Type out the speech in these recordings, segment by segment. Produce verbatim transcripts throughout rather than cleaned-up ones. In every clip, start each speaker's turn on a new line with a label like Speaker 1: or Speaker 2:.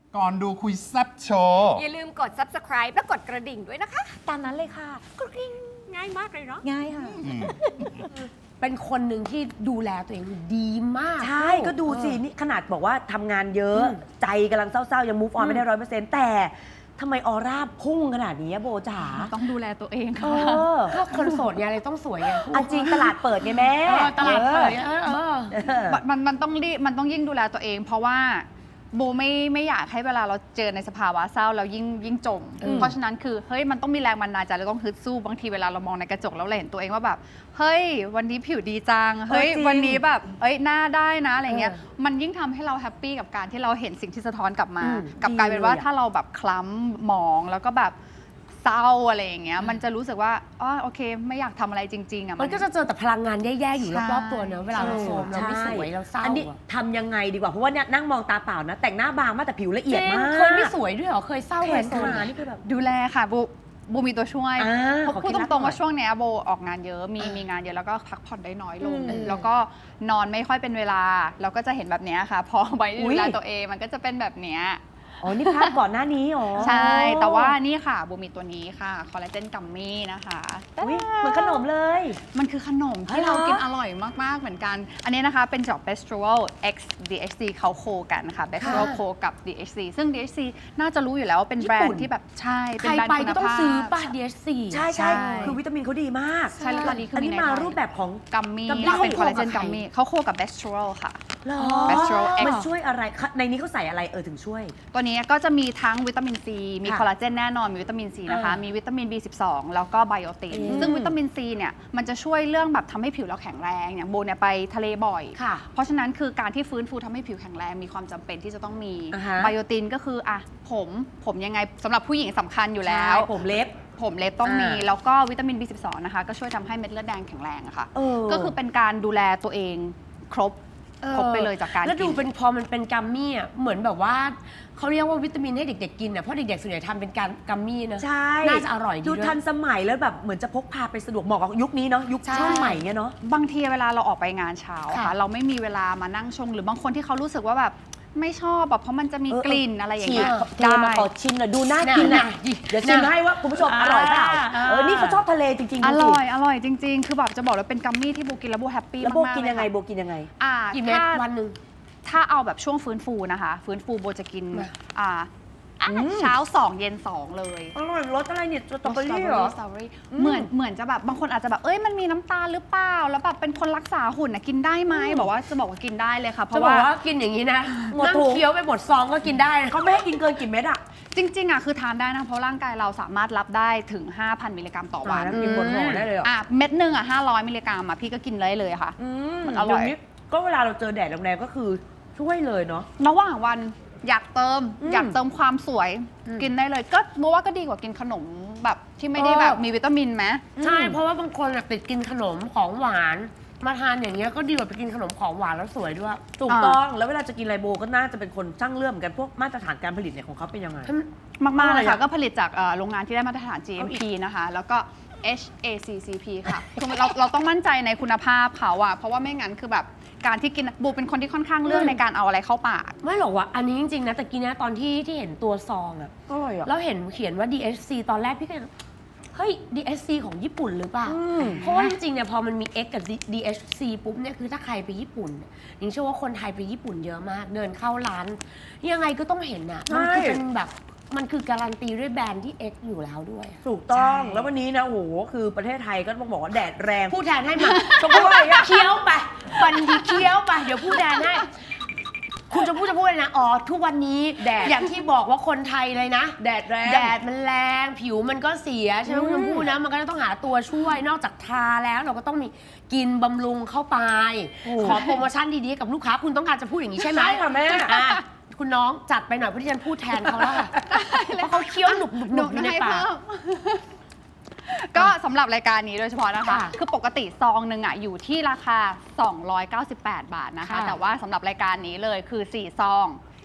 Speaker 1: ก่อนดูคุยแซ่บโชว์
Speaker 2: อย่าลืมกด ซับสไครบ์ และกดกระดิ่งด้วยนะคะ
Speaker 3: ตามนั้นเลยค่ะ
Speaker 2: กระดิ่งง่ายมากเลยเนาะ
Speaker 3: ง่ายค่ะ
Speaker 4: เป็นคนหนึ่งที่ดูแลตัวเองดีมาก
Speaker 3: ใช่ก็ดูสินี่ขนาดบอกว่าทำงานเยอะ
Speaker 4: อืม
Speaker 3: ใจกำลังเศร้าๆ ยัง move on ไม่ได้ร้อยเปอร์เซ็นต์แต่ทำไมออร่าพุ่งขนาดนี้อะโบจ๋า
Speaker 5: ต้องดูแลตัวเอง
Speaker 3: เอ
Speaker 5: ค่ะ
Speaker 3: อ
Speaker 4: ก็คนโสดเนี่ยอะไรต้องสวยไง
Speaker 3: อันจริงตลาดเปิดไงแม่
Speaker 4: เออตลาดเปิด
Speaker 3: ออ
Speaker 4: เออเออ
Speaker 3: เออ
Speaker 5: มันมันต้องรีบมันต้องยิ่งดูแลตัวเอง เพราะว่าโบไม่ไม่อยากให้เวลาเราเจอในสภาวะเศร้าเรายิ่งยิ่งจม
Speaker 4: อืม
Speaker 5: เพราะฉะนั้นคือเฮ้ยมันต้องมีแรงบันดาลใจเราต้องฮึดสู้บางทีเวลาเรามองในกระจกแล้วเราเห็นตัวเองว่าแบบเฮ้ยวันนี้ผิวดีจังเฮ้ย
Speaker 3: เออจริง
Speaker 5: วันนี้แบบเอ้ยหน้าได้นะอะไรเงี้ย
Speaker 4: เออ
Speaker 5: มันยิ่งทำให้เราแฮปปี้กับการที่เราเห็นสิ่งที่สะท้อนกลับมา
Speaker 3: อืม
Speaker 5: กลับกลายเป็นว่า
Speaker 3: ดีเลยอะ
Speaker 5: ถ้าเราแบบคล้ำหมองแล้วก็แบบเศร้าอะไรอย่างเงี้ยมันจะรู้สึกว่าอ๋อโอเค ไม่อยากทำอะไรจริงๆอ่ะ
Speaker 4: มันก็จะเจอแต่พลังงานแย่ๆอยู่
Speaker 5: ใช่
Speaker 4: รอบๆตัวเนอะเวลาเราโซมเราไม่สวยเราเศร้า
Speaker 3: อันนี้
Speaker 4: อะ
Speaker 3: ทำยังไงดีกว่า เพราะว่าเนี่ยนั่งมองตาเปล่านะ แต่งหน้าบางมากแต่ผิวละเอียด
Speaker 4: จริง
Speaker 3: มาก
Speaker 4: เคยไม่สวยด้วยเหรอเคยเศร้า
Speaker 3: แข
Speaker 4: เคย
Speaker 3: น
Speaker 4: โซม
Speaker 3: ขานี่คือแบบ
Speaker 5: ดูแลค่ะโบโบมีตัวช่วย
Speaker 3: อ่า
Speaker 5: เพราะ
Speaker 3: ขอ
Speaker 5: พูด
Speaker 3: เคล็ดลับ
Speaker 5: ตรงๆว่า
Speaker 3: หน่อย
Speaker 5: ช่วงเนี้ยโบออกงานเยอะมีมีงานเยอะแล้วก็พักผ่อนได้น้อยลง
Speaker 3: อืม
Speaker 5: แล้วก็นอนไม่ค่อยเป็นเวลาเราก็จะเห็นแบบเนี้ยค่ะ พอไป
Speaker 3: อุ๊
Speaker 5: ดู
Speaker 3: ย
Speaker 5: แลตัวเองมันก็จะเป็นแบบเนี้ย
Speaker 3: อ๋อ นี่ภาพก่อนหน้านี้อ๋อ
Speaker 5: ใช่แต่ว่านี่ค่ะโบมีตัวนี้ค่ะคอลลาเจนกัมมี่นะคะ
Speaker 3: อุ๊ยเหมือนขนมเลย
Speaker 5: มันคือขนม
Speaker 3: อ๋อ
Speaker 5: ที่
Speaker 3: เหรอ
Speaker 5: เรากินอร่อยมาก ๆ เหมือนกัน อันนี้นะคะเป็นจาก Bestral X ดี เอช ซี เขาโคกันค่ะ Bestral โคกับ ดี เอช ซี ซึ่ง ดี เอช ซี น่าจะรู้อยู่แล้วว่าเป็นแบรนด์ที่แบบใช่
Speaker 4: ใค
Speaker 5: เป็น
Speaker 4: ร
Speaker 5: แบรนด์
Speaker 4: ไป
Speaker 5: คุณ
Speaker 4: ก็ต้อง
Speaker 5: ภาพ
Speaker 4: ซื้อป่ะ ดี เอช ซี
Speaker 3: ใช่ใช่
Speaker 5: ใช่
Speaker 3: คือวิตามินเขาดีมาก
Speaker 5: ใช่แล้วตอนนี้คือ
Speaker 3: อัน
Speaker 5: มี
Speaker 3: นี้
Speaker 5: ใน
Speaker 3: มา
Speaker 5: ไทย
Speaker 3: รูปแบบของ
Speaker 5: กัมมี่
Speaker 3: กัมมี่
Speaker 5: ค่ะเป็นคอลลาเจน
Speaker 4: เขาโคกับ
Speaker 5: กัมมี่
Speaker 4: ใคร
Speaker 5: เขาโคกับ Bestral ค่ะ
Speaker 3: เหรอ
Speaker 5: Bestral X
Speaker 3: มันช่วยอะไรคะในนี้เขาใส่อะไรเออถึงช่วย
Speaker 5: ตัวนี้ก็จะมีทั้งวิตามินซี มี
Speaker 3: ค่ะ
Speaker 5: คอลลาเจนแน่นอน มีวิตามินซีนะคะ
Speaker 4: อ่ามี
Speaker 5: มีวิตามิน บี สิบสอง แล้วก็ไบโอติน
Speaker 3: อืม
Speaker 5: ซึ่งวิตามินซีเนี่ย มันจะช่วยเรื่องแบบทำให้ผิวเราแข็งแรง อย่างโบเนี่ยไปทะเลบ่อย
Speaker 3: ค่ะ
Speaker 5: เพราะฉะนั้นคือการที่ฟื้นฟูทำให้ผิวแข็งแรง มีความจำเป็นที่จะต้องมี
Speaker 3: อ่าฮะ
Speaker 5: ไบโอตินก็คืออ่ะผม ผมยังไงสำหรับผู้หญิงสำคัญอยู่แล้ว
Speaker 3: ใช่ผมเล็บ
Speaker 5: ผมเล็บต้องมี
Speaker 3: อ่า
Speaker 5: แล้วก็วิตามิน บี สิบสอง นะคะ ก็ช่วยทำให้เม็ดเลือดแดงแข็งแรงอะค่ะ
Speaker 3: เออ
Speaker 5: ก็คือเป็นการดูแลตัวเองครบ ครบไปเลยจากการ
Speaker 4: แล้วดู
Speaker 5: กิน
Speaker 4: เป็นพอมันเป็นกัมมี่อ่ะเหมือนแบบว่าเขาเรียกว่าวิตามินให้เด็กๆกินอ่ะเพราะเด็กๆส่วนใหญ่ทำเป็นการกัมมี่นะ
Speaker 3: ใช่
Speaker 4: น่าจะอร่อยดี
Speaker 3: ดู
Speaker 4: ด้วย
Speaker 3: ทันสมัยแล้วแบบเหมือนจะพกพาไปสะดวกเหมาะกับยุคนี้เนาะยุค
Speaker 4: ใช่
Speaker 3: ช่วงใหม่เงี้ยเนาะ
Speaker 5: บางทีเวลาเราออกไปงานเช้า
Speaker 4: ค่ะ
Speaker 5: ค่ะ เราไม่มีเวลามานั่งชง หรือบางคนที่เขารู้สึกว่าแบบไม่ชอบแบบเพราะมันจะมี
Speaker 3: เออ
Speaker 5: กลิ่นอะไรอย่าง
Speaker 3: ฉี
Speaker 5: เงี้
Speaker 3: ก
Speaker 5: ย
Speaker 3: เทมาขอชิมหน่อยดูน่ากิน
Speaker 4: น่ะ
Speaker 3: อ่ะ
Speaker 4: ดิ
Speaker 3: เดี๋ยวชิมให้ว่าคุณผู้ชมอร่อยเปล่า
Speaker 4: อ่า
Speaker 3: เออนี่เขาชอบทะเลจริงๆ
Speaker 5: อ
Speaker 3: ดูสิ
Speaker 5: ร่อย อร่อยจริง ๆ คือแบบจะบอกเลยเป็นกัมมี่ที่โบกินแล้วโบแฮปปี้
Speaker 3: แล้ว
Speaker 5: มาก
Speaker 3: โบ
Speaker 5: ๆ
Speaker 3: กินยังไง
Speaker 5: เล
Speaker 3: โบกินยังไง
Speaker 5: อ่า
Speaker 4: กี่เม็ด
Speaker 5: ถ้า
Speaker 4: วันหนึ่ง
Speaker 5: ถ้าเอาแบบช่วงฟื้นฟูนะคะ ฟื้นฟูโบจะกิน
Speaker 4: มา
Speaker 5: อ่าอ่ะ
Speaker 3: อืม
Speaker 5: เช้าสองเย็นสองเลย
Speaker 3: อร่อยรสอะไรเนี่ยสตรอเบอ
Speaker 5: สตรอ
Speaker 3: รี่
Speaker 5: เบอ
Speaker 3: เหรอ
Speaker 5: รี่สตรอเบอรี่เหมือนเหมือนจะแบบบางคนอาจจะแบบเอ้ยมันมีน้ำตาลหรือเปล่าแล้วแบบเป็นคนรักษาหุ่นนะกินได้ไหมบอกว่าจะบอกว่ากินได้เลยค่ะเพ
Speaker 4: จะ
Speaker 5: ราะ
Speaker 4: บอก
Speaker 5: ว่า
Speaker 4: ว่ากินอย่างนี้นะ
Speaker 3: หมด
Speaker 4: นั่ง
Speaker 3: ถุง
Speaker 4: เคี้ยวไปหมดซองก็กินได้นะ
Speaker 3: เขาไม่ให้กินเกินกี่เม็ดอ่ะ
Speaker 5: จริงๆอ่ะคือทานได้นะเพราะร่างกายเราสามารถรับได้ถึง ห้าพัน มิลลิกรัมต่อวัน
Speaker 3: แล้วกินบนห่อได้เลยเหรอ
Speaker 5: อ่ะเม็ดหนึ่งอ่ะห้าร้อยมิลลิกรัมอ่ะพี่ก็กินเลยเลยค่ะ
Speaker 3: อืม
Speaker 5: มันอร่อย
Speaker 3: เดี๋วนี้ก็เวลาเราเจอแดดแรงๆก็คือช่วยเลยเนาะ
Speaker 5: ระหว่างวันอยากเติม
Speaker 3: อืม
Speaker 5: อยากเติมความสวย
Speaker 4: อืม
Speaker 5: กินได้เลยก็รู้ว่าก็ดีกว่ากินขนมแบบที่ไม่ได้แบบมีวิตามินไหม
Speaker 4: ใช่เพราะว่าบางคนอะติดกินขนมของหวาน มาทานอย่างเงี้ยก็ดีกว่าไปกินขนมของหวานแล้วสวยด้วย
Speaker 3: ถูกต้องแล้วเวลาจะกินไลโบก็น่าจะเป็นคนช่างเรื่องเหมือนกันพวกมาตรฐานการผลิตเนี่ยของเขาเป็นยังไง
Speaker 5: มากๆเลย
Speaker 3: อร่
Speaker 5: ค่ะ
Speaker 3: อยอะ
Speaker 5: ก็ผลิตจากเอ่อโรงงานที่ได้มาตรฐาน จี เอ็ม พี นะคะ แล้วก็ เอช เอ ซี ซี พี ค่ะ คือเราเราต้องมั่นใจในคุณภาพเขาอะเพราะว่าไม่งั้นคือแบบการที่กินบูเป็นคนที่ค่อนข้างเลือกในการเอาอะไรเข้าปาก
Speaker 4: ไม่หรอกว่าอันนี้จริงๆนะแต่กี้นะตอนที่ที่เห็นตัวซองอะ
Speaker 3: อร่อยอ่ะ
Speaker 4: แล้วเห็นเขียนว่า ดี เอช ซี ตอนแรกพี่ก็ยังเฮ้ย ดี เอช ซี ของญี่ปุ่นหรือเปล่า
Speaker 3: อืม
Speaker 4: เพราะว่าจริงๆเนี่ยพอมันมี X กับ ดี เอช ซี ปุ๊บเนี่ยคือถ้าใครไปญี่ปุ่นเนี่ยยิงเชื่อว่าคนไทยไปญี่ปุ่นเยอะมาก เดินเข้าร้าน ยังไงก็ต้องเห็นอะมันคือเป็นแบบมันคือการันตีด้วยแบรนด์ที่ X อยู่แล้วด้วย
Speaker 3: ถูกต้อง
Speaker 4: ใช่
Speaker 3: แล้ววันนี้นะโอ้โหคือประเทศไทยก็ต้องบอกว่าแดดแรง
Speaker 4: พูดแทนให้มา
Speaker 3: ชมพู่อะไรอะ
Speaker 4: เคี้ยวไปวันดีเคี้ยวไป เดี๋ยวพูดแทนให้ คุณจะพูดจะพูดเลยนะ อ๋อ ทุกวันนี้แดดอย่างที่บอกว่าคนไทยเลยนะ
Speaker 3: แดดแรง
Speaker 4: แดดมันแรง ผิวมันก็เสีย ใช่ไหม
Speaker 3: อืม
Speaker 4: คุณชมพู่นะ มันก็ต้องหาตัวช่วย นอกจากทาแล้วเราก็ต้องมีกินบำรุงเข้าไป ขอโปรโมชั่นดีๆกับลูกค้า คุณต้องการจะพูดอย่างนี้ใช่ไหม
Speaker 3: ใช่ค่ะแม่
Speaker 4: อ่ะคุณน้องจัดไปหน่อยเพราะที่ฉันพูดแทนเขาแล้วค่ะเพราะเขาเคี้ยวหนุบๆหนุบๆอยู่ในปาก
Speaker 5: ก็สำหรับรายการนี้โดยเฉพาะนะคะ
Speaker 4: ค่ะ
Speaker 5: คือปกติซองหนึ่งอ่ะอยู่ที่ราคา สองร้อยเก้าสิบแปด บาทนะคะ
Speaker 4: ค่ะ
Speaker 5: แต่ว่าสำหรับรายการนี้เลยคือ สี่ ซอง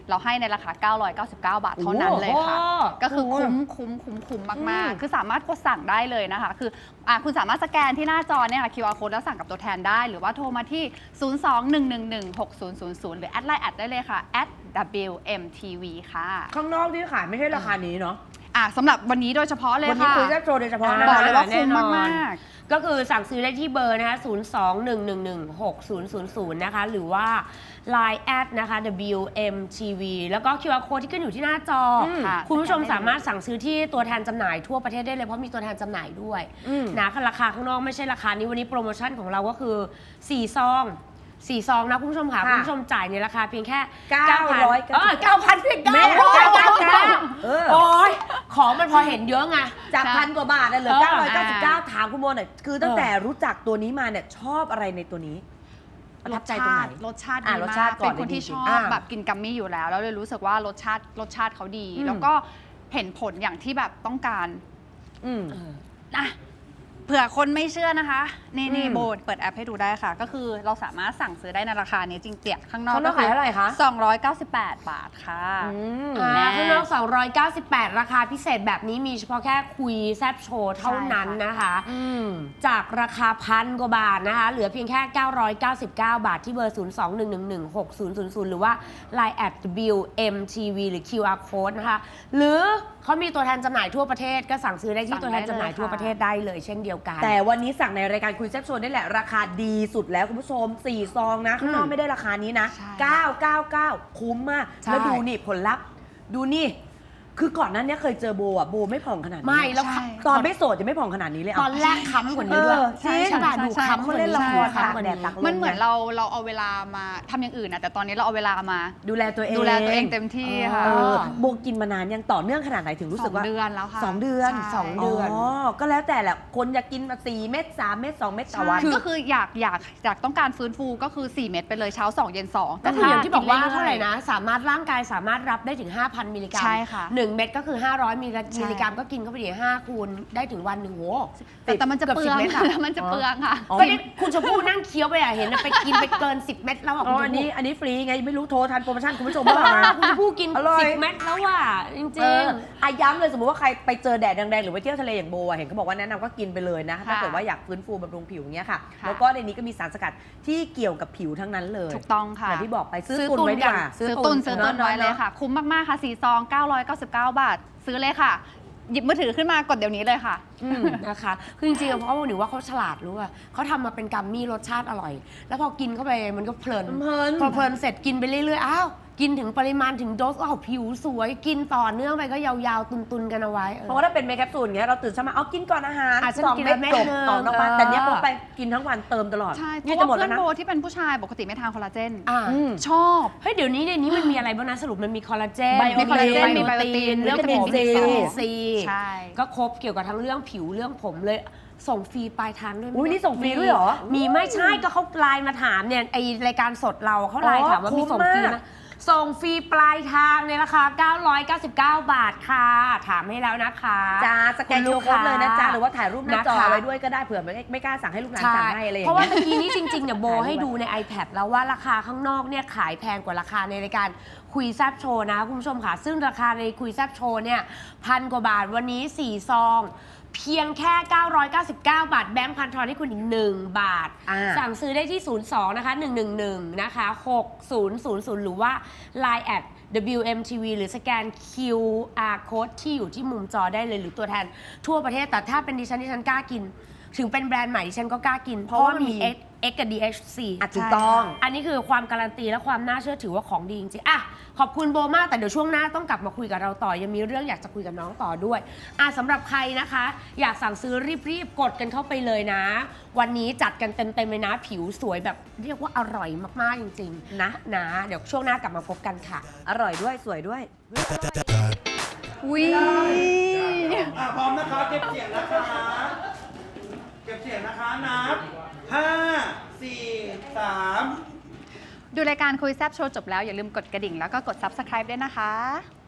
Speaker 5: เราให้ในราคา เก้าร้อยเก้าสิบเก้า บาทเท่านั้นเลยค่ะ
Speaker 3: โอ้โห
Speaker 5: ก็คือคุ้มคุ้มคุ้มคุ้มมาก
Speaker 3: อืม
Speaker 5: ๆ คือสามารถกดสั่งได้เลยนะคะ คืออ่ะคุณสามารถสแกนที่หน้าจอเนี่ยค่ะ คิว อาร์ code แล้วสั่งกับตัวแทนได้ หรือว่าโทรมาที่ ศูนย์ สอง หนึ่ง หนึ่ง หนึ่ง หก ศูนย์ ศูนย์ ศูนย์ หรือแอดไลน์แอดได้เลยค่ะ แอด ดับเบิลยู เอ็ม ที วี ค่ะ
Speaker 3: ข้างนอกที่ขายไม่ใช่ราคานี้เนาะ
Speaker 5: อ่ะสำหรับวันนี้โดยเฉพาะเลย
Speaker 3: วันนี้
Speaker 5: ค่ะ
Speaker 3: คุยแซ่บโชว์โดยเฉพาะนะ
Speaker 5: บอก
Speaker 3: คะ
Speaker 5: เลยว่าคุ้ม
Speaker 3: แน่นอน
Speaker 5: มาก
Speaker 4: ก็คือสั่งซื้อได้ที่เบอร์นะคะ ศูนย์ สอง หนึ่ง หนึ่ง หนึ่ง หก ศูนย์ ศูนย์ ศูนย์ นะคะ หรือว่า ไลน์ แอดนะคะ ดับเบิลยู เอ็ม ที วี แล้วก็ คิว อาร์ code ที่ขึ้นอยู่ที่หน้าจออ
Speaker 5: มค่ะ
Speaker 4: คุณผู้ชมสามารถสั่งซื้อที่ตัวแทนจำหน่ายทั่วประเทศได้เลย เพราะมีตัวแทนจำหน่ายด้วย
Speaker 3: อืม
Speaker 4: นะราคาข้างนอกไม่ใช่ราคานี้วันนี้โปรโมชั่นของเราก็คือ สี่ ซอง สี่ ซองนะคุณผู้ชมค่ะ
Speaker 3: ค่ะ
Speaker 4: คุณผู้ชมจ่ายในราคาเพียงแค่
Speaker 3: เก้าร้อย
Speaker 4: เออเก้าพันเพียง
Speaker 3: แม่
Speaker 4: เก้าร้อยเก้าสิบ
Speaker 3: เก้า
Speaker 4: เก้า
Speaker 3: เออ
Speaker 4: โอ้ยของมันพอเห็นเยอะไง
Speaker 3: จาก
Speaker 5: ใช่
Speaker 3: พันกว่าบาทน่ะเหลือ
Speaker 4: เออ
Speaker 3: เก้าร้อยเก้าสิบเก้า ถามคุณโมหน่อย คือตั้ง
Speaker 4: เออ
Speaker 3: แต่รู้จักตัวนี้มาเนี่ยชอบอะไรในตัวนี้ ประ
Speaker 5: ร
Speaker 3: ทับ
Speaker 5: ส
Speaker 3: ใจตรง
Speaker 5: ชา
Speaker 3: ไหน
Speaker 5: ติรสชาติ
Speaker 3: อ่ะ
Speaker 5: ดี
Speaker 3: รส
Speaker 5: มา
Speaker 3: ชาก ติก่
Speaker 5: เป็
Speaker 3: อน
Speaker 5: นคนที่
Speaker 3: เลยดี
Speaker 5: ชอบ
Speaker 3: อ่ะ
Speaker 5: แบบกินกัมมี่อยู่แล้ว แล้วเลยรู้สึกว่ารสชาติรสชาติเขาดี
Speaker 3: อืม
Speaker 5: แล้วก็เห็นผลอย่างที่แบบต้องการ
Speaker 3: อืม
Speaker 5: อ่ะเผื่อคนไม่เชื่อนะคะ นี่นี่
Speaker 3: อืม
Speaker 5: โบเปิดแอปให้ดูได้ค่ะ ก็คือเราสามารถสั่งซื้อได้ในราคานี้จริงเตียข้างนอก
Speaker 3: ข้างนอกขายเท่าไหร่คะ
Speaker 5: สองร้อยเก้าสิบแปด บาทค่ะ
Speaker 3: อืม
Speaker 4: อ่า
Speaker 5: แน่
Speaker 4: ข้างนอกสองร้อยเก้าสิบแปด ราคาพิเศษแบบนี้มีเฉพาะแค่คุยแซบโชว์เท่านั้นนะคะ
Speaker 3: อืม
Speaker 4: จากราคาพันกว่าบาทนะคะ เหลือเพียงแค่ เก้าร้อยเก้าสิบเก้า บาทที่เบอร์ ศูนย์ สอง หนึ่ง หนึ่ง หนึ่ง หก ศูนย์ ศูนย์ ศูนย์ หรือว่า ไลน์ แอด ดับเบิลยู เอ็ม ที วี หรือ คิว อาร์ code นะคะ หรือเขามีตัวแทนจำหน่ายทั่วประเทศก็สั่งซื้อได้ที่
Speaker 5: สั่ง
Speaker 4: ตัวแทนจำหน่าย
Speaker 5: ได้เลย
Speaker 4: ทั่ว
Speaker 5: ค่ะ
Speaker 4: ประเทศได้เลยเช่นเดียวกัน
Speaker 3: แต่วันนี้สั่งในรายการคุยแซ่บโชว์นี่แหละราคาดีสุดแล้วคุณผู้ชมสี่ซองนะข้างนอกไม่ได้ราคานี้นะ
Speaker 5: ใช่
Speaker 3: เก้าเก้าเก้า คุ้มมาก
Speaker 4: ใช่
Speaker 3: แล้วดูนี่ผลลัพธ์ ดูนี่ คือก่อนหนั้นเนี่ยเคยเจอโบอ่ะโบไม่ผ่องขนาดนี้
Speaker 4: ไม่แล้ว
Speaker 5: ใช่
Speaker 3: ตอนไม่โสดจะไม่ผ่องขนาดนี้เลย
Speaker 4: ต
Speaker 3: อ่ะ
Speaker 4: อนแรกค้ำกว่านี้ด้วย
Speaker 3: เออจริง
Speaker 4: ใช่ป่ะ
Speaker 5: ใช่
Speaker 4: ดู
Speaker 5: ใช่
Speaker 4: ค้ำกว่า
Speaker 3: เล่
Speaker 4: นี้
Speaker 3: นละคร
Speaker 4: ค้ำกว่า
Speaker 3: ตากแดด
Speaker 4: นี้
Speaker 3: ตากล
Speaker 5: มันเหมือนเราเราเอาเวลามาทำอย่างอื่นนะแต่ตอนนี้เราเอาเวลามา
Speaker 3: ดูแลตัวเอง
Speaker 5: ดูแลตัวเองเต็มที่ค่ะ
Speaker 3: เออโบกินมานานยังต่อเนื่องขนาดไหนถึงรู้สึกว่า
Speaker 5: สองเดือนแล้วค่ะ
Speaker 3: สองเดือน
Speaker 5: ใช่
Speaker 4: สองเดือน
Speaker 3: อ๋อก็แล้วแต่แหละคนอยากกินมาสี่เม็ดสามเม็ดสองเม็ดต่อ
Speaker 5: ใช่
Speaker 3: วัน
Speaker 5: ก็คืออยากอยากอยากต้องการฟื้นฟูก็คือ 4 เม็ดไปเลยเช้า สอง เย็น สอง
Speaker 4: ก็คืออย่างที่บอกว่า
Speaker 5: ถ้
Speaker 4: เท่าไหร่นะ สามารถร่างกายสามารถรับได้ถึง ห้าพัน มิลลิกรัม
Speaker 5: ใช่ค่ะ
Speaker 4: หนึ่งเม็ดก็คือ ห้าร้อย มิลลิกรัม
Speaker 5: ใช่
Speaker 4: มิลลิกรัมก็กินเข้าไปดีห้าคูณได้ถึงวันหนึ่งโห
Speaker 5: แต่แต่มันจะ
Speaker 4: เกือบ
Speaker 5: เปลื
Speaker 4: สิ
Speaker 5: อบ ง
Speaker 4: เม็ดอะ
Speaker 5: แล้วมันจะเปลืองค่ะ
Speaker 3: อ๋อ
Speaker 4: ก็นี่คุณชมพู่นั่งเคี้ยวไปอะเห็นอะไปกินไปเกิน สิบ เม็ดแล้วอะ
Speaker 3: อ๋
Speaker 4: คุ
Speaker 3: อ
Speaker 4: ณช
Speaker 3: อัน
Speaker 4: ม
Speaker 3: นี้
Speaker 4: พู่
Speaker 3: อันนี้ฟรีไงไม่รู้โทรทันโปรโมชั่นคุณผู้ชมบ้างไหม
Speaker 4: คุณชมพู่กิน
Speaker 3: อร่อย
Speaker 4: สิบ เม็ดแล้วว่ะจริง
Speaker 3: เอออาย้ำเลยสมมติว่าใครไปเจอแดดแดงๆหรือไปเที่ยวทะเลอย่างโบอะเห็นเขาบอกว่าแนะนำก็กินไปเลยนะถ้าเกิดว่าอยากฟื้นฟูบำรุงผิวอย่างเงี้ยค่ะ
Speaker 5: ค่ะ
Speaker 3: แล้วก็ในนี้ก็มีสารสกัดที่เกี่ยวกับผิวทั้งนั้นเลย
Speaker 5: ถูกต้องค่ะ
Speaker 3: อย่างที่บอกไปซื้อ
Speaker 4: ซื้อ
Speaker 3: ตุนไว้ดีกว่า
Speaker 4: ตุนกัน
Speaker 5: ซื้อตุนซื้อตุน
Speaker 3: เนอะ
Speaker 5: ไว้เลยค่ะ คุ้มมาก ๆ ค่ะ สี่ ซอง เก้าร้อยเก้าสิบเก้า บาท ซื้อเลยค่ะ หยิบมือถือขึ้นมากดเดี๋ยวนี้เลยค่ะ
Speaker 3: อืม
Speaker 4: นะคะคือจริงๆอะเพราะว่าหนูว่าเขาฉลาดรู้ว่าเขาทำมาเป็นกัมมี่รสชาติอร่อย แล้วพอกินเข้าไปมันก็เพลิน
Speaker 3: เพลิน
Speaker 4: พอเพลินเสร็จกินไปเรื่อยๆ อ้าว กินถึงปริมาณถึงโดสอ้าวผิวสวย กินต่อเนื่องไปก็ยาวๆ ตุนๆ กันเอาไว้เออ
Speaker 3: เพราะว่าถ้าเป็นเมคแคปซูลอย่างเงี้ยเราตื่นเช้ามาเอากินก่อนอาหาร
Speaker 4: อาจจะ
Speaker 3: สอง
Speaker 4: กิน
Speaker 3: เม็ด
Speaker 4: เม็ด
Speaker 3: จบ
Speaker 4: หนึ่ง
Speaker 3: ต่อนอกบ้าน
Speaker 4: เออ
Speaker 3: แต่เนี้ยพกไปกินทั้งวันเติมตลอด
Speaker 5: ใช่ เพ
Speaker 3: นี่
Speaker 5: ราะ
Speaker 3: จะหม
Speaker 5: ว่า
Speaker 3: ด
Speaker 5: เพื่
Speaker 3: แล้
Speaker 5: อ
Speaker 3: วน นะ
Speaker 5: โบที่เป็นผู้ชายปกติไม่ทานคอลลาเจน
Speaker 4: อ่า
Speaker 3: อืม
Speaker 5: ชอบ
Speaker 4: เฮ้ยเดี๋ยวนี้ในนี้มันมีอะไรบ้างนะสรุปมันมีคอลลาเจน
Speaker 3: ไบโอ
Speaker 5: มีคอลลาเจน
Speaker 3: มี
Speaker 5: มีไบโอติน
Speaker 4: เรื่อง
Speaker 3: วิตามิ
Speaker 4: ผ
Speaker 3: น
Speaker 4: ม
Speaker 3: ซี
Speaker 4: วิตามินซี
Speaker 5: ใช่
Speaker 4: ก็ครบเกี่ยวกับทั้งเรื่องผิวเรื่องผมเลยส่งฟรีปลายทางด้วย
Speaker 3: อุ๊ยนี่ส่งฟรีด้วยเหรอ
Speaker 4: มีไม่ใช่ก็เขาไลน์มาถามเนี่ยไอรายการสดเราเขาไลน์ถามว่ามีส่งฟรีไหมส่งฟรีปลายทางในราคา เก้าร้อยเก้าสิบเก้า บาทค่ะ ถามให้แล้วนะคะ
Speaker 3: จ้าสแกน
Speaker 4: คุณลู
Speaker 3: คิว
Speaker 4: ก
Speaker 3: โค้ดเลยนะจ๊ะ
Speaker 4: ค้า
Speaker 3: หรือว่าถ่ายรูปหน้าจอ
Speaker 4: นะคะ
Speaker 3: ไว้ด้วยก็ได้เผื่อไม่ไม่กล้าสั่งให้ลูกหลาน
Speaker 4: ใช่
Speaker 3: สั่งให้อะไรอย่าง
Speaker 4: เพราะว่า
Speaker 3: เงี้ย
Speaker 4: เมื่อกี้นี้จริงๆเนี่ยโบ
Speaker 3: ถ่ายรูป
Speaker 4: ให้ดูใน iPad แล้วว่าราคาข้างนอกเนี่ยขายแพงกว่าราคาในรายการคุยแซบโชว์นะคุณผู้ชมค่ะ ซึ่งราคาในคุยแซบโชว์เนี่ยพันกว่าบาทวันนี้สี่ซองเพียงแค่ เก้าร้อยเก้าสิบเก้า บาทแบงค์พันทอนให้คุณอีกหนึ่งบาท
Speaker 3: อ่า
Speaker 4: สั่งซื้อได้ที่ ศูนย์ สอง นะคะ หนึ่ง หนึ่ง หนึ่ง นะคะ หก ศูนย์ ศูนย์ ศูนย์ หรือว่า ไลน์ แอด ดับเบิลยู เอ็ม ที วี หรือสแกน คิว อาร์ code ที่อยู่ที่มุมจอได้เลยหรือตัวแทนทั่วประเทศแต่ถ้าเป็นดิฉันดิฉันกล้ากิน ถึงเป็นแบรนด์ใหม่ดิฉันก็กล้ากิน เพราะว่ามี X X กับ ดี เอช ซี
Speaker 3: อ่ะถูกต้อง
Speaker 4: อันนี้คือความการันตีและความน่าเชื่อถือว่าของดีจริงๆอ่ะขอบคุณโบมากแต่เดี๋ยวช่วงหน้าต้องกลับมาคุยกับเราต่อยังมีเรื่องอยากจะคุยกับน้องต่อด้วยอ่ะสำหรับใครนะคะ อยากสั่งซื้อรีบๆกดกันเข้าไปเลยนะ วันนี้จัดกันเต็มๆเลยนะ ผิวสวยแบบเรียกว่าอร่อยมากๆจริงๆ
Speaker 3: นะ
Speaker 4: นะเดี๋ยวช่วงหน้ากลับมาพบกันค่ะ
Speaker 3: อร่อยด้วยสวยด้วย
Speaker 5: อุ้ย
Speaker 1: อ่ะพร้อมนะคะเก็บเสียงนะคะ เก็บเสียงนะคะนับห้าสี่สาม
Speaker 5: ดูรายการคุยแซบโชว์จบแล้วอย่าลืมกดกระดิ่งแล้วก็กด ซับสไครบ์ ด้วยนะคะ